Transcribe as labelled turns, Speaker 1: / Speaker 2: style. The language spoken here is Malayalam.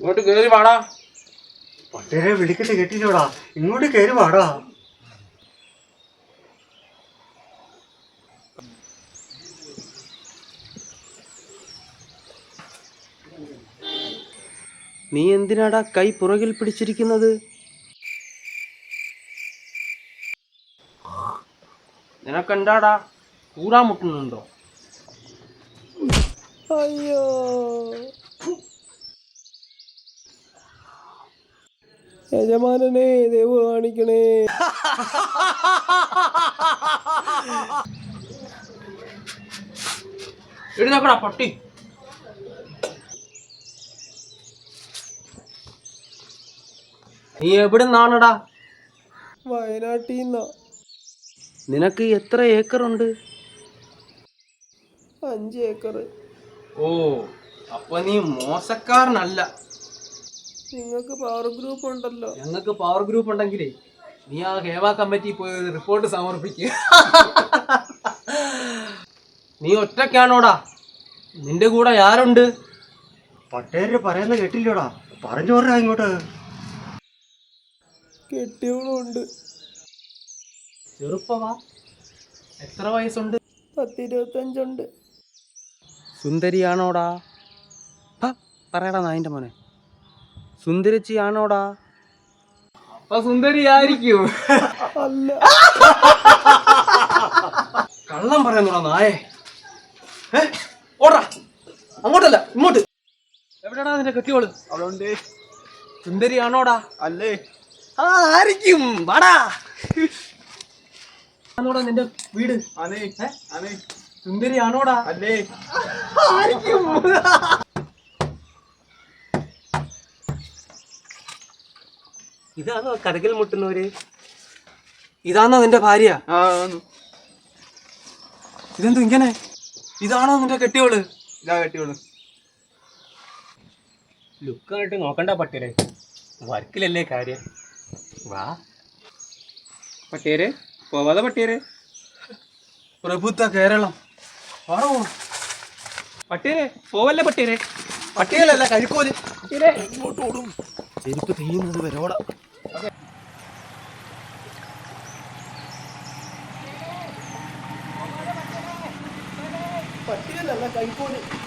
Speaker 1: ഇങ്ങോട്ട് കേറി വാടാ.
Speaker 2: പട്ടേരെ വിളിക്കട്ടെ കേട്ടില്ലോടാ, ഇങ്ങോട്ട് കേറി വാടാ.
Speaker 1: നീ എന്തിനാടാ കൈ പുറകിൽ പിടിച്ചിരിക്കുന്നത്? നിനക്കെന്താടാ കൂടാൻ മുട്ടുന്നുണ്ടോ?
Speaker 3: അയ്യോ, യജമാനനെ ദൈവം കാണിക്കണേ.
Speaker 1: എഴുന്നേക്കടാ പട്ടി. നീ എവിടുന്നാണടാ?
Speaker 3: വയനാട്ടിൽ
Speaker 1: നിനക്ക് എത്ര ഏക്കറുണ്ട്?
Speaker 3: 5 ഏക്കർ.
Speaker 1: ഓ, അപ്പൊ നീ മോശക്കാരനല്ല.
Speaker 3: നിങ്ങൾക്ക് പവർ ഗ്രൂപ്പ് ഉണ്ടല്ലോ.
Speaker 1: ഞങ്ങൾക്ക് പവർ ഗ്രൂപ്പ് ഉണ്ടെങ്കിലേ നീ ആ ഹേമ കമ്മിറ്റി പോയി റിപ്പോർട്ട് സമർപ്പിക്കുക. നീ ഒറ്റയ്ക്കാണോടാ? നിന്റെ കൂടെ ആരുണ്ട്?
Speaker 2: പട്ടേര് പറയുന്ന കേട്ടില്ലോടാ, പറഞ്ഞു പറഞ്ഞാ ഇങ്ങോട്ട്.
Speaker 3: കെട്ടിയവളുണ്ട്.
Speaker 1: ചെറുപ്പവാ? എത്ര വയസ്സുണ്ട്?
Speaker 3: 10-25
Speaker 1: സുന്ദരിയാണോടാ? പറയടാ നായിന്റെ മോനെ, സുന്ദരിച്ചിയാണോടാ? അപ്പൊ സുന്ദരിയായിരിക്കും.
Speaker 3: അല്ല.
Speaker 1: കള്ളം പറയുന്നോടാ നായേ. ഓടാ, അങ്ങോട്ടല്ല ഇങ്ങോട്ട്. എവിടെയാടാ നിന്റെ കെട്ടിയോള്?
Speaker 3: അവളുണ്ട്.
Speaker 1: സുന്ദരിയാണോടാ?
Speaker 3: അല്ലേ?
Speaker 1: ആയിരിക്കും. വാടാ. ആണോടാ നിന്റെ വീട്? സുന്ദരിയാണോടാ?
Speaker 3: അല്ലേ?
Speaker 1: ആയിരിക്കും.
Speaker 2: ഇതാണോ കരകിൽ മുട്ടുന്നവര്?
Speaker 1: ഇതാണോ നിന്റെ ഭാര്യ?
Speaker 3: ഇതെന്തു ഇങ്ങനെ?
Speaker 1: ഇതാണോ നിന്റെ കെട്ടിയോള്?
Speaker 3: ഇതാ കെട്ടിയോള്.
Speaker 2: ലുക്കായിട്ട് നോക്കണ്ട പട്ടേരെ, വർക്കിലല്ലേ കാര്യം. വാ
Speaker 3: പട്ടേരെ പോവാതെ പട്ടേരെ.
Speaker 1: പ്രഭുത്വ കേരളം. ആണോ
Speaker 3: പട്ടേരെ പോവല്ലേ പട്ടേരെ.
Speaker 1: പട്ടിയലല്ല കഴിക്കോല്.
Speaker 3: ഇങ്ങോട്ടോടും.
Speaker 1: ചെരുപ്പ് തെയ്യുന്നത് വരോടാ.
Speaker 3: പട്ടിയലല്ല കൈക്കോല്.